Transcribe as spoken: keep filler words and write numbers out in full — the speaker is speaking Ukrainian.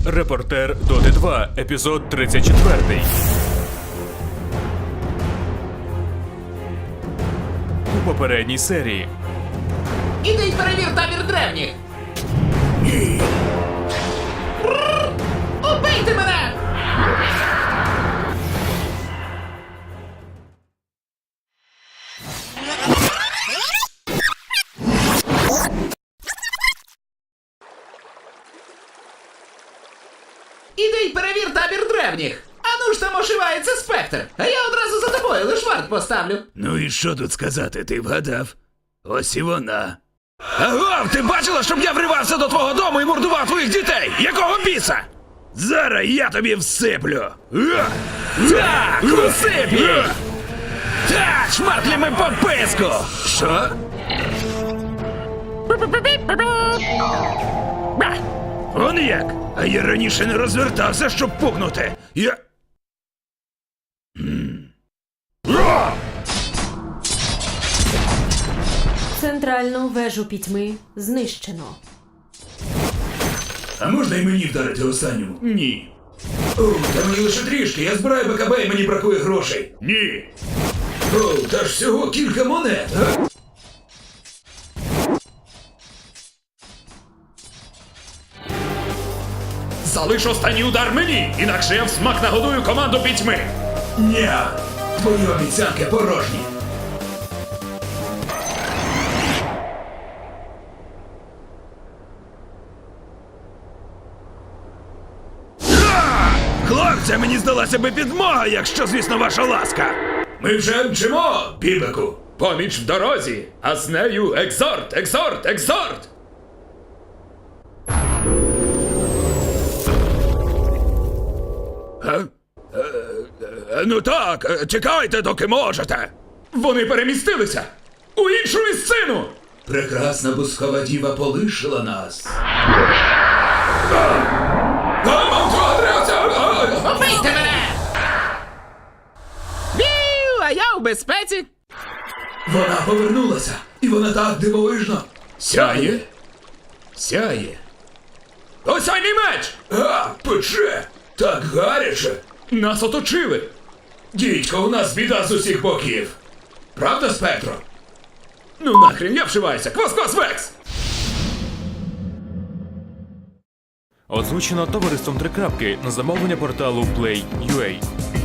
Репортер Доти два, епізод тридцять чотири. У попередній серії. Іди й перевір табір древніх! Ні. Рррр! Убийте мене! Іди й перевір табір древніх! Ану ж там ошивається спектр, а я одразу за тобою лиш варт поставлю. Ну і що тут сказати, ти вгадав? Ось і вона. Агов, ти бачила, щоб я вривався до твого дому і мордував твоїх дітей? Якого біса? Зараз я тобі всиплю. Е! Так, всип їй! Так, шматлями по писку! Що? Он як? А я раніше не розвертався, щоб пукнути. Я... М. О! Центральну вежу пітьми знищено. А можна і мені вдарити останньому? Ні. О, та мені лише трішки, я збираю БКБ і мені бракує грошей. Ні. О, та ж всього кілька монет, а? Залиш останній удар мені, інакше я в смак нагодую команду пітьми. Ні. Твої обіцянки порожні. Хлопця, мені здалася би підмога, якщо, звісно, ваша ласка. Ми вже мчимо, бібеку. Поміч в дорозі, а з нею екзорт, екзорт, екзорт! А? Е, е, ну так, е, чекайте, доки можете. Вони перемістилися у іншу місцину! Прекрасна бускова діва полишила нас. Убийте мене! Бів, а я у безпеці! Вона повернулася, і вона так дивовижно. Сяє? Сяє. Осяйний меч! А, пече! Так гаряче! Нас оточили! Дідько, у нас біда з усіх боків. Правда, Спектро? Ну нахрен, я вшиваюся! Квас-квас, Векс! Озвучено товариством Трикрапки на замовлення порталу Play.ua.